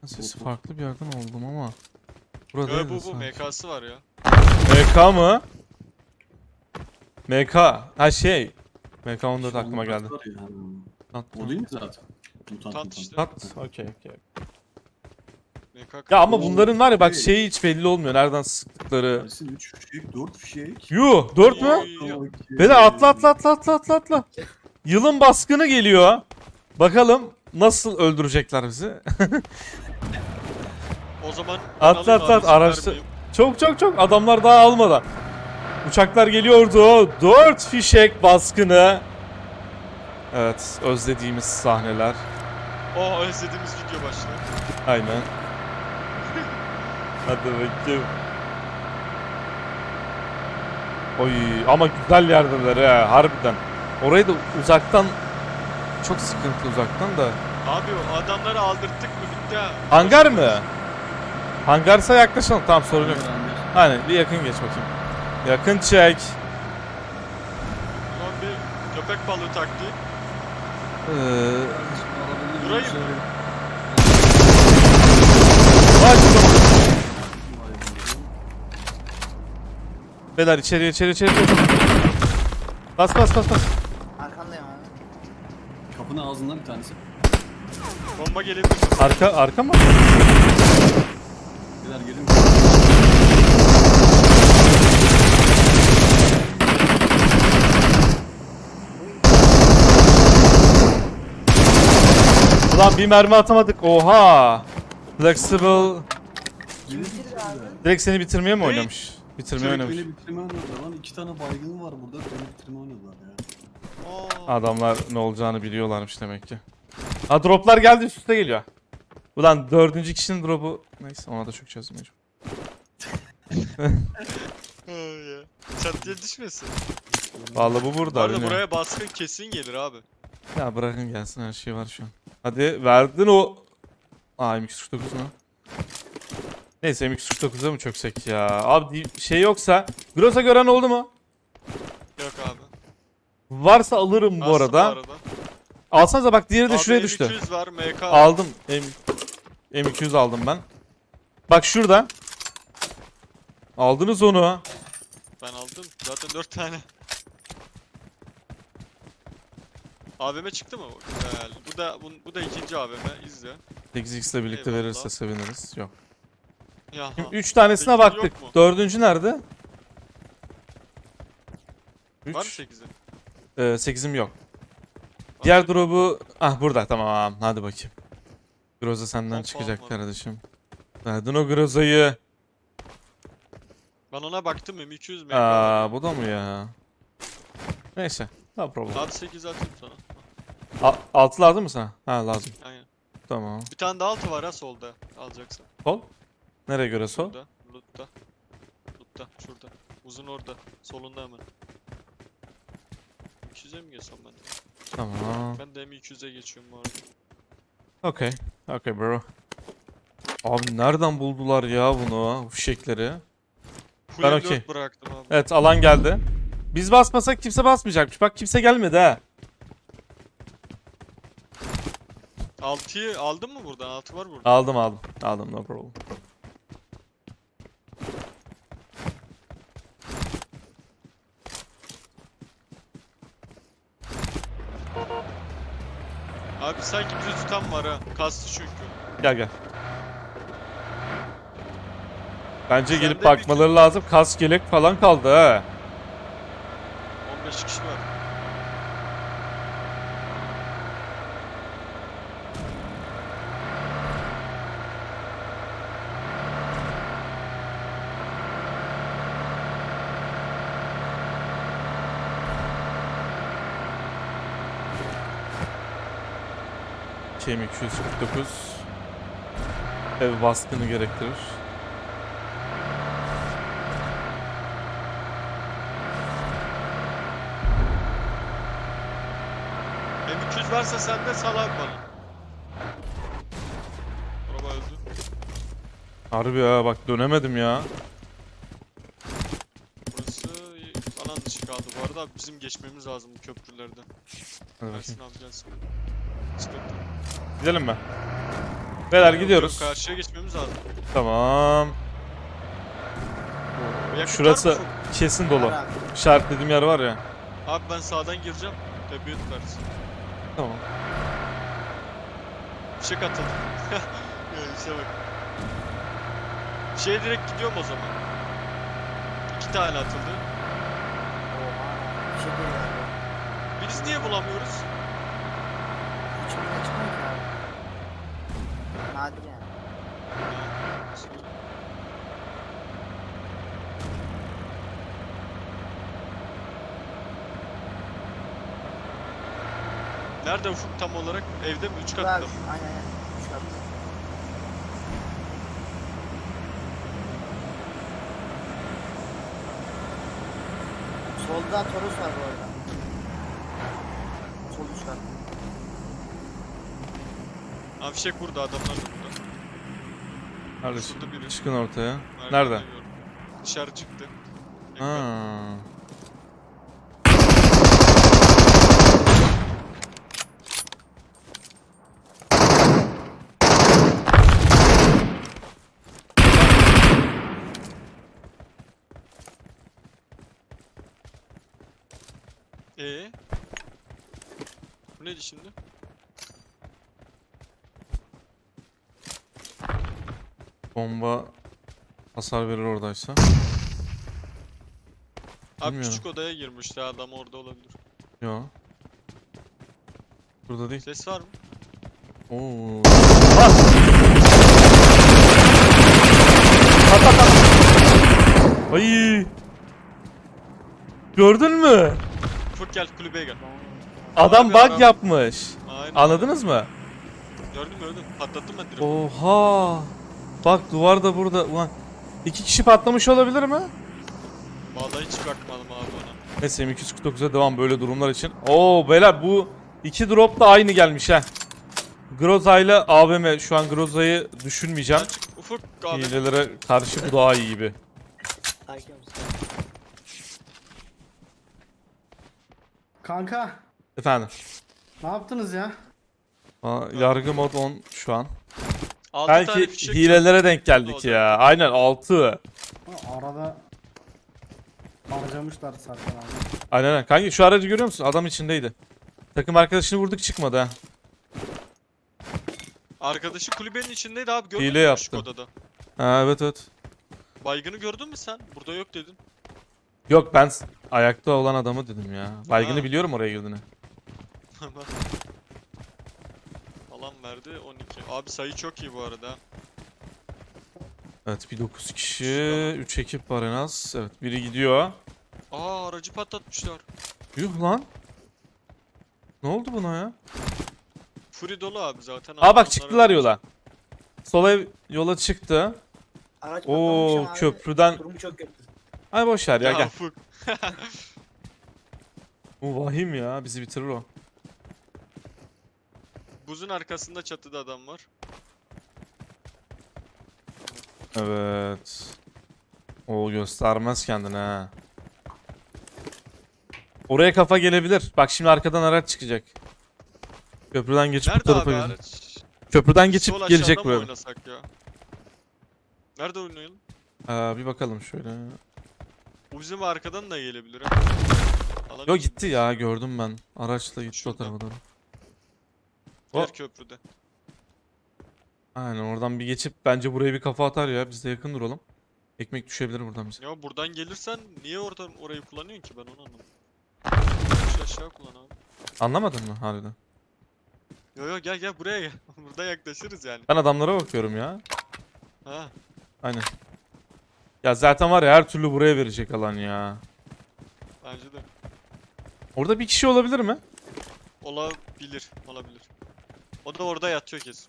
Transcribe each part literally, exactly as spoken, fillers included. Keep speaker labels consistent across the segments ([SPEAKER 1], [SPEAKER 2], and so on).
[SPEAKER 1] Sesi farklı bir yerden oldum ama. Burada
[SPEAKER 2] Yo, bu bu M K'sı var ya.
[SPEAKER 1] M K mı? M K. Ha şey. M K on dört aklıma geldi. At.
[SPEAKER 3] O değil mi zaten? Mutant,
[SPEAKER 2] Mutant işte.
[SPEAKER 1] At. Okey okey.
[SPEAKER 2] M K
[SPEAKER 1] Ya ama
[SPEAKER 3] Oo,
[SPEAKER 1] bunların var ya bak
[SPEAKER 3] şey.
[SPEAKER 1] şeyi hiç belli olmuyor. Nereden sıktıkları.
[SPEAKER 3] Ersin üç fişek, dört fişek.
[SPEAKER 1] Yuh dört mü?
[SPEAKER 2] Yo.
[SPEAKER 1] Beni atla atla atla atla atla atla. Yılın baskını geliyor. Bakalım nasıl öldürecekler bizi.
[SPEAKER 2] O zaman
[SPEAKER 1] Atla atla at, araçta.
[SPEAKER 2] vermeyeyim.
[SPEAKER 1] Çok çok çok adamlar daha almadan. Uçaklar geliyordu. Dört fişek baskını. Evet özlediğimiz sahneler.
[SPEAKER 2] Oh, özlediğimiz video başlıyor.
[SPEAKER 1] Aynen. Hadi bakayım. Oy ama güzel yerdeler ha harbiden. Orayı da uzaktan çok sıkıntı uzaktan da.
[SPEAKER 2] Abi o adamları aldırttık mı bitti ha.
[SPEAKER 1] Hangar mı? Hangarsa yaklaşalım. Tamam sorun yok. Aynen bir yakın geç bakayım. Yakın çek.
[SPEAKER 2] Ulan bir köpek balığı taktiği.
[SPEAKER 1] Ee,
[SPEAKER 2] Durayım mı?
[SPEAKER 1] Vay canına. Beyler içeri içeri içeri. Bas bas bas bas.
[SPEAKER 4] Arkandayım abi.
[SPEAKER 3] Kapının ağzından bir tanesi.
[SPEAKER 2] Bomba gelebilir.
[SPEAKER 1] Arka arka mı?
[SPEAKER 3] Beyler gelin.
[SPEAKER 1] Ulan bir mermi atamadık. Oha. Flexible.
[SPEAKER 3] Gelin.
[SPEAKER 1] Direkt seni bitirmeye mi
[SPEAKER 2] Ne?
[SPEAKER 1] oynamış? Bitirmeye
[SPEAKER 3] Direkt
[SPEAKER 1] oynamış.
[SPEAKER 3] beni bitirme oynadılar lan. İki tane baygın var burada. Beni bitirme oynadılar ya.
[SPEAKER 2] Aa,
[SPEAKER 1] Adamlar ne olacağını biliyorlarmış demek ki. Ha droplar geldi üst üste geliyor. Ulan dördüncü kişinin drop'u. Neyse ona da çökeceğiz mecbur.
[SPEAKER 2] ay ya. Çatıya düşmesin.
[SPEAKER 1] Vallahi bu
[SPEAKER 2] Bu
[SPEAKER 1] burada.
[SPEAKER 2] arada
[SPEAKER 1] bilmiyorum.
[SPEAKER 2] buraya baskın kesin gelir abi.
[SPEAKER 1] Ya bırakın gelsin her şey var şu an. Hadi verdin o. Aa M iki yüz kırk dokuz mu? Neyse M iki yüz kırk dokuza mı çöksek ya? Abi di- şey yoksa. Groza gören oldu mu?
[SPEAKER 2] Yok abi.
[SPEAKER 1] Varsa alırım bu
[SPEAKER 2] Bastım
[SPEAKER 1] arada. Alsanıza bak diğeri de
[SPEAKER 2] Abi
[SPEAKER 1] şuraya
[SPEAKER 2] M
[SPEAKER 1] düştü.
[SPEAKER 2] iki yüz var, M K var.
[SPEAKER 1] Aldım. M M iki yüz aldım ben. Bak şurada. Aldınız onu.
[SPEAKER 2] Ben aldım. Zaten dört tane. A V M çıktı mı? Güzel. Bu da bu, bu da ikinci A V M. İzle.
[SPEAKER 1] sekiz x ile birlikte
[SPEAKER 2] Eyvallah.
[SPEAKER 1] verirse seviniriz. Yok.
[SPEAKER 2] Ya.
[SPEAKER 1] Şimdi üç tanesine
[SPEAKER 2] sekiz
[SPEAKER 1] baktık.
[SPEAKER 2] yok mu?
[SPEAKER 1] Dördüncü nerede?
[SPEAKER 2] Var mı
[SPEAKER 1] üç.
[SPEAKER 2] sekizi?
[SPEAKER 1] Ee, sekizim yok. Diğer drop'u... Ah burada tamam. Hadi bakayım. Groza senden
[SPEAKER 2] Hop,
[SPEAKER 1] çıkacak
[SPEAKER 2] hop.
[SPEAKER 1] kardeşim. Verdin o Groza'yı.
[SPEAKER 2] Ben ona baktım M iki yüz M K.
[SPEAKER 1] Aa bu da mı ya? Neyse. No problem.
[SPEAKER 2] Saat sekiz atayım sana.
[SPEAKER 1] A- altı lazım mı sana? Ha lazım.
[SPEAKER 2] Aynen.
[SPEAKER 1] Tamam.
[SPEAKER 2] Bir tane daha altı var ha solda. Alacaksın.
[SPEAKER 1] Sol. Nereye göre sol?
[SPEAKER 2] Burada. Loot'ta. Loot'ta. Şurada. Uzun orada. Solunda hemen. M iki yüze mi geçsem ben de?
[SPEAKER 1] Tamam.
[SPEAKER 2] Ben de M iki yüze geçiyorum bu arada.
[SPEAKER 1] Okay. Okay bro. Abi nereden buldular ya bunu? Bu fişekleri.
[SPEAKER 2] Full
[SPEAKER 1] Ben
[SPEAKER 2] M
[SPEAKER 1] okey.
[SPEAKER 2] dört bıraktım abi.
[SPEAKER 1] Evet alan geldi. Biz basmasak kimse basmayacakmış. Bak kimse gelmedi ha.
[SPEAKER 2] altıyı aldın mı buradan? altı var burada.
[SPEAKER 1] Aldım aldım. Aldım no problem.
[SPEAKER 2] Abi sanki bizi tutan var ha. Kastı çünkü.
[SPEAKER 1] Gel gel. Bence
[SPEAKER 2] Sende
[SPEAKER 1] gelip
[SPEAKER 2] bir-
[SPEAKER 1] bakmaları lazım. Kask yelek falan kaldı ha.
[SPEAKER 2] on beş kişi var.
[SPEAKER 1] K M iki yüz kırk dokuz. Ev baskını gerektirir.
[SPEAKER 2] M iki yüz varsa sende sal abi bana. Araba öldü.
[SPEAKER 1] Harbi ya bak dönemedim ya.
[SPEAKER 2] Burası alan dışı kaldı. Bu arada abi bizim geçmemiz lazım bu köprülerden.
[SPEAKER 1] Hadi
[SPEAKER 2] Ersin
[SPEAKER 1] bakayım.
[SPEAKER 2] abi gelsin. Sıkıntı.
[SPEAKER 1] Gidelim mi? Beyler
[SPEAKER 2] Yok,
[SPEAKER 1] gidiyoruz.
[SPEAKER 2] yok, karşıya geçmemiz lazım.
[SPEAKER 1] Tamam.
[SPEAKER 2] Yakıt var mı
[SPEAKER 1] Şurası
[SPEAKER 2] Ufuk?
[SPEAKER 1] kesin dolu.
[SPEAKER 4] Var abi.
[SPEAKER 1] İşaretlediğim yer var ya.
[SPEAKER 2] Abi ben sağdan gireceğim. Tepeye tutarsın.
[SPEAKER 1] Tamam.
[SPEAKER 2] Fişek atıldı. Ya işe bak. Şeye direkt gidiyorum o zaman. İki tane atıldı.
[SPEAKER 4] Oha. Bir şey değil galiba.
[SPEAKER 2] Biz niye bulamıyoruz?
[SPEAKER 4] İçimden çıkmıyor ki abi. Nadir yani.
[SPEAKER 2] Nerede Ufuk tam olarak? Evde mi? Üç
[SPEAKER 4] Abi,
[SPEAKER 2] katta
[SPEAKER 4] aynen
[SPEAKER 2] mı?
[SPEAKER 4] aynen. Üç katlı. Solda Toros var bu arada. Sol üç katlı.
[SPEAKER 2] Abi fişek burada, adamlar da burada.
[SPEAKER 1] Nerede?
[SPEAKER 2] Şurada biri.
[SPEAKER 1] Çıkın ortaya.
[SPEAKER 2] Merdivenden
[SPEAKER 1] Nerede?
[SPEAKER 2] gördüm. Dışarı çıktı.
[SPEAKER 1] Ha.
[SPEAKER 2] Ee? Bu neydi şimdi?
[SPEAKER 1] Bomba hasar verir oradaysa.
[SPEAKER 2] Abi
[SPEAKER 1] Bilmiyorum.
[SPEAKER 2] küçük odaya girmişti, adam orada olabilir.
[SPEAKER 1] Yo. Burada değil.
[SPEAKER 2] Ses var mı?
[SPEAKER 1] Oo. Ah! At at at. Ay. Gördün mü?
[SPEAKER 2] Ufuk gel kulübeye gel.
[SPEAKER 1] Adam
[SPEAKER 2] Abi
[SPEAKER 1] bug
[SPEAKER 2] adam-
[SPEAKER 1] yapmış.
[SPEAKER 2] Aynen.
[SPEAKER 1] Anladınız mı?
[SPEAKER 2] Gördüm gördüm. Patlattım ben direkt.
[SPEAKER 1] Oha. Bak duvar da burada. Ulan iki kişi patlamış olabilir mi?
[SPEAKER 2] Vallahi hiç bakmadım abi ona.
[SPEAKER 1] Neyse M iki yüz kırk dokuza devam böyle durumlar için. Oo beyler bu iki drop da aynı gelmiş ha. Groza ile A V M, şu an Groza'yı düşünmeyeceğim.
[SPEAKER 2] Açık. Ufuk abi.
[SPEAKER 1] Hilelere karşı bu daha iyi gibi.
[SPEAKER 4] Hakim misin?
[SPEAKER 3] Kanka
[SPEAKER 1] Efendim.
[SPEAKER 3] ne yaptınız ya?
[SPEAKER 1] Aa, yargı mod on şu an.
[SPEAKER 2] Altı tane
[SPEAKER 1] Belki
[SPEAKER 2] fişek
[SPEAKER 1] hilelere denk geldik
[SPEAKER 2] oldu.
[SPEAKER 1] ya. Aynen altı.
[SPEAKER 3] Ha, arada harcamışlar zaten abi.
[SPEAKER 1] Aynen aynen. Kanki şu aracı görüyor musun? Adam içindeydi. Takım arkadaşını vurduk çıkmadı ha.
[SPEAKER 2] Arkadaşı kulübenin içindeydi abi, gördün
[SPEAKER 1] Hile
[SPEAKER 2] mü küçük
[SPEAKER 1] yaptı.
[SPEAKER 2] odada?
[SPEAKER 1] Ha evet evet.
[SPEAKER 2] Baygını gördün mü sen? Burada yok dedin.
[SPEAKER 1] Yok ben s- ayakta olan adamı dedim ya. Baygını
[SPEAKER 2] Ha.
[SPEAKER 1] biliyorum oraya girdiğini.
[SPEAKER 2] Alan verdi on iki. Abi sayı çok iyi bu arada. ha.
[SPEAKER 1] Evet bir dokuz kişi, üç ekip var en az. Evet biri gidiyor.
[SPEAKER 2] Aa, aracı patlatmışlar.
[SPEAKER 1] Yuh lan. Ne oldu buna ya?
[SPEAKER 2] Fury dolu abi zaten.
[SPEAKER 1] Aa bak
[SPEAKER 2] adamlar
[SPEAKER 1] çıktılar
[SPEAKER 2] öyle.
[SPEAKER 1] yola. Sola yola çıktı.
[SPEAKER 4] Araç
[SPEAKER 1] Oo
[SPEAKER 4] patlamış ama abi,
[SPEAKER 1] köprüden.
[SPEAKER 4] durumu çok kötü.
[SPEAKER 1] Ay boş ver ya,
[SPEAKER 2] Ya
[SPEAKER 1] gel.
[SPEAKER 2] Ufuk.
[SPEAKER 1] Bu vahim ya, bizi bitirir o.
[SPEAKER 2] Buzun arkasında çatıda adam var.
[SPEAKER 1] Evet. O göstermez kendini ha. Oraya kafa gelebilir. Bak şimdi arkadan araç çıkacak. Köprüden geçip bu
[SPEAKER 2] Nerede
[SPEAKER 1] tarafa
[SPEAKER 2] abi
[SPEAKER 1] gelecek.
[SPEAKER 2] araç?
[SPEAKER 1] Köprüden geçip
[SPEAKER 2] Sol
[SPEAKER 1] gelecek
[SPEAKER 2] aşağıda mı
[SPEAKER 1] buraya.
[SPEAKER 2] oynasak ya? Nerede oynayalım?
[SPEAKER 1] Aa, bir bakalım şöyle.
[SPEAKER 2] Bu bizim arkadan da gelebilir ha. Alan
[SPEAKER 1] Yo
[SPEAKER 2] iyi.
[SPEAKER 1] gitti ya, gördüm ben. Araçla gitti o
[SPEAKER 2] Şurada.
[SPEAKER 1] tarafa doğru.
[SPEAKER 2] Diğer
[SPEAKER 1] O-
[SPEAKER 2] köprüde.
[SPEAKER 1] Aynen oradan bir geçip bence buraya bir kafa atar ya. Biz de yakın duralım. Ekmek düşebilir buradan bize.
[SPEAKER 2] Ya buradan gelirsen niye oradan orayı kullanıyorsun ki, ben onu anlamadım. Şu aşağı kullan abi.
[SPEAKER 1] Anlamadın mı harbiden?
[SPEAKER 2] Yo yo gel gel buraya gel. Burada yaklaşırız yani.
[SPEAKER 1] Ben adamlara bakıyorum ya.
[SPEAKER 2] Ha.
[SPEAKER 1] Aynen. Ya zaten var ya, her türlü buraya verecek alan ya.
[SPEAKER 2] Bence de.
[SPEAKER 1] Orada bir kişi olabilir mi?
[SPEAKER 2] Olabilir. Olabilir. O da orada yatıyor kesin.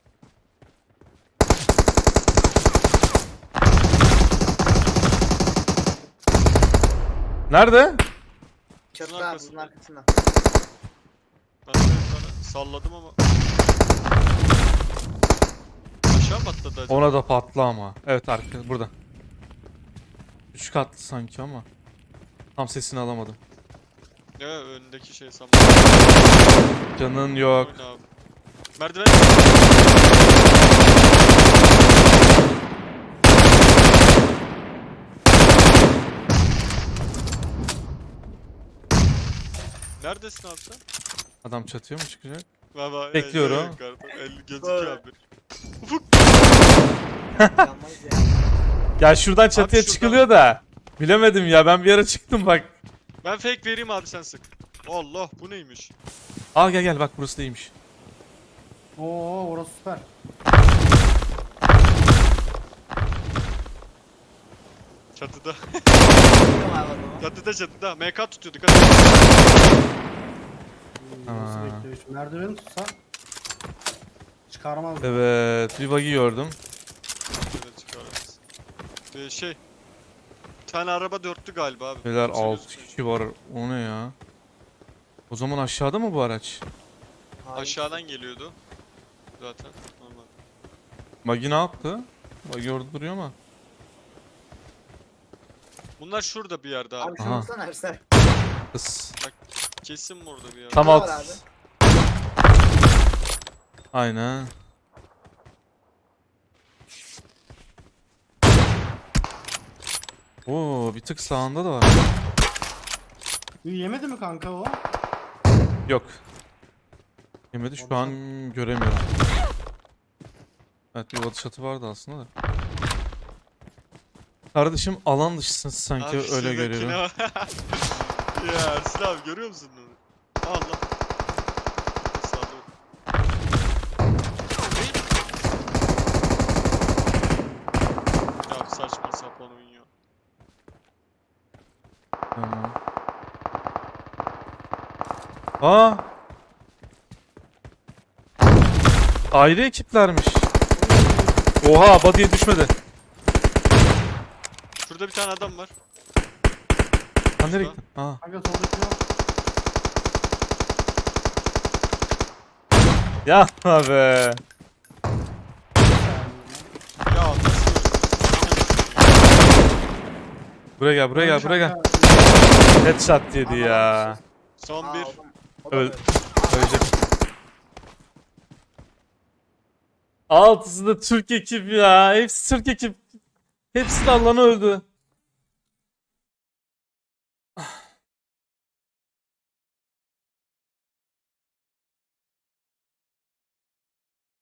[SPEAKER 1] Nerede?
[SPEAKER 4] Çatıda abi,
[SPEAKER 2] arkasında.
[SPEAKER 4] bunun arkasında.
[SPEAKER 2] Ben de bir tane salladım ama. Aşağı mı atladı acaba?
[SPEAKER 1] Ona da patla ama. Evet arka burada. Üç katlı sanki ama. Tam sesini alamadım.
[SPEAKER 2] Ya önündeki şey sanma.
[SPEAKER 1] Canın yok.
[SPEAKER 2] Oyna abi. Merdiven. Neredesin abi sen?
[SPEAKER 1] Adam çatıya mı çıkacak?
[SPEAKER 2] Baba,
[SPEAKER 1] Bekliyorum.
[SPEAKER 2] el- yukarıda. El gözüküyor abi. Ufuk.
[SPEAKER 4] Yanmayız ya.
[SPEAKER 1] Ya şuradan çatıya
[SPEAKER 2] şuradan-
[SPEAKER 1] çıkılıyor da. Bilemedim ya, ben bir ara çıktım bak.
[SPEAKER 2] Ben fake vereyim abi, sen sık. Allah, bu neymiş?
[SPEAKER 1] Al gel gel, bak burası değilmiş.
[SPEAKER 5] Oo orası süper.
[SPEAKER 2] Çatıda.
[SPEAKER 4] Bakıyorum abi adamı.
[SPEAKER 2] Çatıda çatıda. M K tutuyor, dikkat et.
[SPEAKER 5] Nasıl
[SPEAKER 1] Aa.
[SPEAKER 5] bekliyor? Şu merdiveni tutsa çıkarmaz.
[SPEAKER 1] Evet, bir bug'i gördüm.
[SPEAKER 2] Evet, çıkarırız. Ee, şey. Bir tane araba dörtlü galiba abi.
[SPEAKER 1] Beyler
[SPEAKER 2] Kimse
[SPEAKER 1] altı
[SPEAKER 2] gözükmüyor.
[SPEAKER 1] kişi var. O ne ya? O zaman aşağıda mı bu araç?
[SPEAKER 4] Hayır.
[SPEAKER 2] Aşağıdan geliyordu. Zaten. Normal.
[SPEAKER 1] Bug'i ne yaptı? Bug'i orada duruyor ama.
[SPEAKER 2] Bunlar şurada bir yerde abi.
[SPEAKER 4] Abi şunu
[SPEAKER 1] Aha.
[SPEAKER 4] vursana Ersel.
[SPEAKER 1] Kız.
[SPEAKER 2] Kesin burada bir yerde.
[SPEAKER 1] Tam
[SPEAKER 4] Var
[SPEAKER 1] alt.
[SPEAKER 4] abi.
[SPEAKER 1] Aynen. Oo, bir tık sağında da var.
[SPEAKER 5] İyi yemedi mi kanka o?
[SPEAKER 1] Yok. Yemedi, şu an göremiyorum. Evet, bir batı çatı vardı aslında da. Kardeşim alan dışısın sanki,
[SPEAKER 2] Abi
[SPEAKER 1] öyle
[SPEAKER 2] şuradakine
[SPEAKER 1] görüyorum.
[SPEAKER 2] bak. Ya Ersin abi, görüyor musun onu? Allah. Sağ ol. Ya saçma sapan oyun ya.
[SPEAKER 1] Tamam. Aa! Ayrı ekiplermiş. Oha, body'ye düşmedi.
[SPEAKER 2] Şurada bir tane adam var.
[SPEAKER 1] Sen nereye gittin? Aa.
[SPEAKER 5] Kanka soldaki yok.
[SPEAKER 1] Yapma be.
[SPEAKER 2] Ya nasıl?
[SPEAKER 1] Buraya gel, buraya gel, buraya gel. Headshot yedi ya.
[SPEAKER 2] Son
[SPEAKER 4] Aa,
[SPEAKER 2] bir.
[SPEAKER 4] o da- o da
[SPEAKER 1] Öl-
[SPEAKER 4] böyle.
[SPEAKER 1] Ölecek. Altısı da Türk ekip ya. Hepsi Türk ekip. Hepsi de Allah'ına öldü.